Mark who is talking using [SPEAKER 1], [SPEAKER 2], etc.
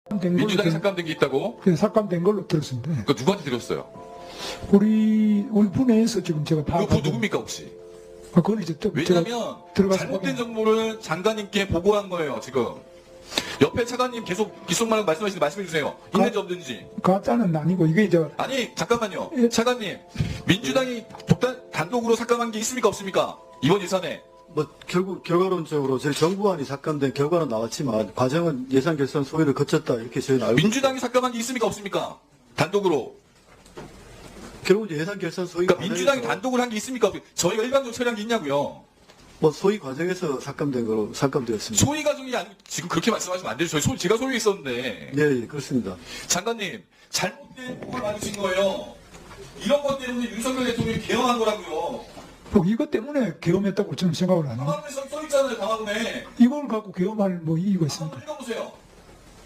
[SPEAKER 1] 민주당이 삭감된 게 있다고?
[SPEAKER 2] 예, 삭감된 걸로 들었습니다.
[SPEAKER 1] 그 누구한테 들었어요?
[SPEAKER 2] 우리 분야에서 지금 제가
[SPEAKER 1] 그
[SPEAKER 2] 파악한
[SPEAKER 1] 누굽니까 혹시?
[SPEAKER 2] 그건 이제 또
[SPEAKER 1] 왜냐하면
[SPEAKER 2] 들어가서
[SPEAKER 1] 잘못된 정보를 장관님께 보고한 거예요 지금. 옆에 차관님 계속 귓속말로 말씀하시는데 말씀해 주세요. 있는지 없는지.
[SPEAKER 2] 가짜는 아니고 이게
[SPEAKER 1] 아니 잠깐만요.
[SPEAKER 2] 예.
[SPEAKER 1] 차관님, 민주당이 단독으로 삭감한 게 있습니까 없습니까? 이번 예산에.
[SPEAKER 3] 뭐 결국 결과론적으로 저희 정부안이 삭감된 결과는 나왔지만 과정은 예산 결산 소위를 거쳤다 이렇게 저희는 알고
[SPEAKER 1] 민주당이 삭감한 게 있습니까 없습니까? 단독으로.
[SPEAKER 3] 결국 이제 예산 결산 소위
[SPEAKER 1] 그러니까 민주당이
[SPEAKER 3] 과정에서
[SPEAKER 1] 단독으로 한 게 있습니까? 저희가 일반적으로 처리한 게 있냐고요.
[SPEAKER 3] 뭐 소위 과정에서 삭감된 거로 삭감되었습니다.
[SPEAKER 1] 소위 과정이 아니고 지금 그렇게 말씀하시면 안 되죠. 제가 소유에 있었는데.
[SPEAKER 3] 예, 그렇습니다.
[SPEAKER 1] 장관님, 잘못된 보고를 받으신 거예요. 이런 것 때문에 윤석열 대통령이 개헌한 거라고요.
[SPEAKER 2] 뭐 이것 때문에 계엄했다고 저는 생각을 안 해요.
[SPEAKER 1] 강화문에 써 있잖아요, 강화문에.
[SPEAKER 2] 이걸 갖고 계엄할 뭐 이유가 있습니까?
[SPEAKER 1] 한번 읽어보세요.